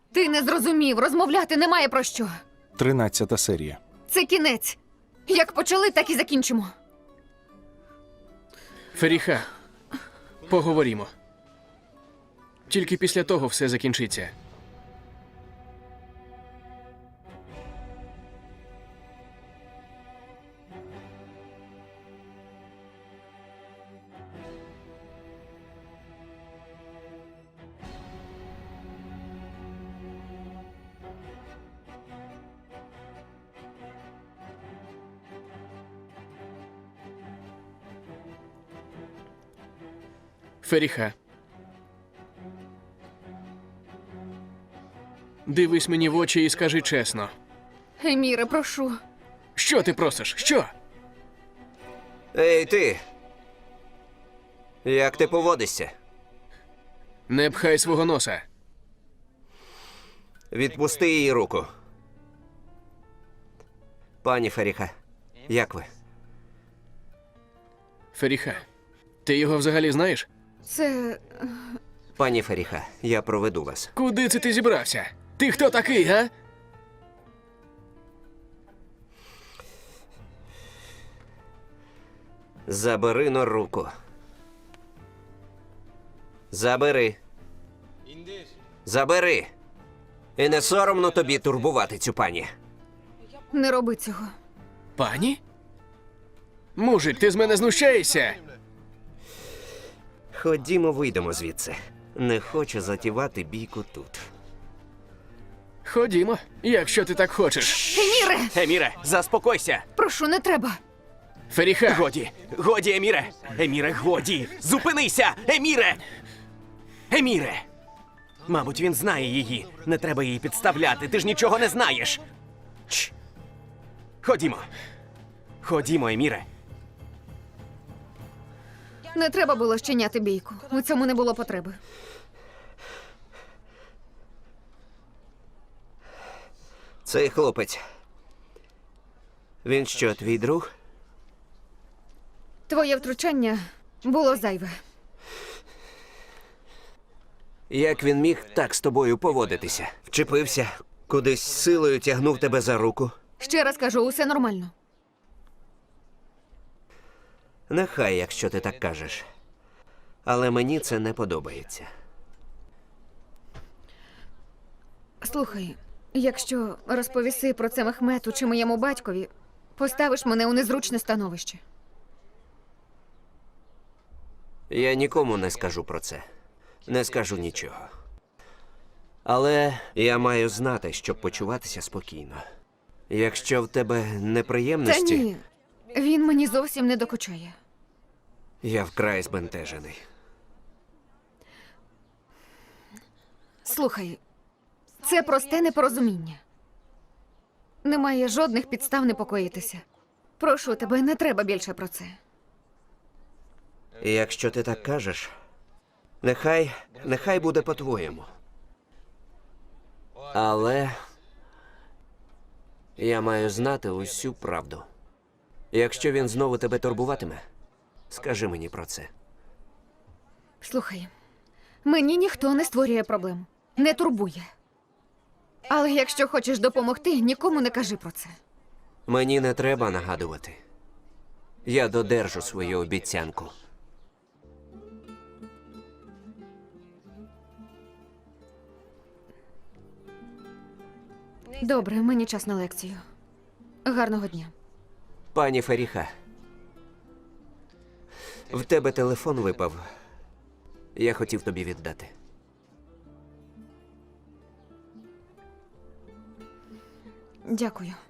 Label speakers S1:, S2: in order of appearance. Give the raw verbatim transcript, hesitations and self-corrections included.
S1: Ти не зрозумів, розмовляти немає про що.
S2: Тринадцята серія.
S1: Це кінець. Як почали, так і закінчимо.
S3: Феріха, поговоримо. Тільки після того все закінчиться. Феріха. Дивись мені в очі і скажи чесно.
S1: Еміре, прошу.
S3: Що ти просиш? Що?
S4: Ей, ти! Як ти поводишся?
S3: Не пхай свого носа.
S4: Відпусти її руку. Пані Феріха, як ви?
S3: Феріха, ти його взагалі знаєш?
S1: Це...
S4: Пані Феріха, я проведу вас.
S3: Куди це ти зібрався? Ти хто такий, га?
S4: Забери но руку. Забери. Забери. І не соромно тобі турбувати цю пані.
S1: Не роби цього.
S3: Пані? Мужик, ти з мене знущаєшся?
S4: Ходімо, вийдемо звідси. Не хочу затівати бійку тут.
S3: Ходімо, якщо ти так хочеш.
S1: Еміре!
S5: Еміре, заспокойся!
S1: Прошу, не треба.
S3: Феріха,
S5: Годі, годі, Еміре! Еміре, годі! Зупинися! Еміре! Еміре! Мабуть, він знає її. Не треба її підставляти, ти ж нічого не знаєш. Чш. Ходімо. Ходімо, Еміре.
S1: Не треба було щиняти бійку. У цьому не було потреби.
S4: Цей хлопець. Він що, твій друг?
S1: Твоє втручання було зайве.
S4: Як він міг так з тобою поводитися? Вчепився, кудись силою тягнув тебе за руку.
S1: Ще раз кажу, усе нормально.
S4: Нехай, якщо ти так кажеш. Але мені це не подобається.
S1: Слухай, якщо розповіси про це Мехмету чи моєму батькові, поставиш мене у незручне становище.
S4: Я нікому не скажу про це. Не скажу нічого. Але я маю знати, щоб почуватися спокійно. Якщо в тебе
S1: Та
S4: неприємності,
S1: ні, він мені зовсім не докучає.
S4: я вкрай збентежений.
S1: Слухай, це просте непорозуміння. Немає жодних підстав непокоїтися. Прошу тебе, не треба більше про це.
S4: І якщо ти так кажеш, нехай, нехай буде по-твоєму. Але я маю знати усю правду. Якщо він знову тебе турбуватиме, скажи мені про це.
S1: Слухай, мені ніхто не створює проблем, не турбує. Але якщо хочеш допомогти, нікому не кажи про це.
S4: Мені не треба нагадувати. Я додержу свою обіцянку.
S1: Добре, мені час на лекцію. Гарного дня.
S4: Пані Феріха, в тебе телефон випав. Я хотів тобі віддати.
S1: Дякую.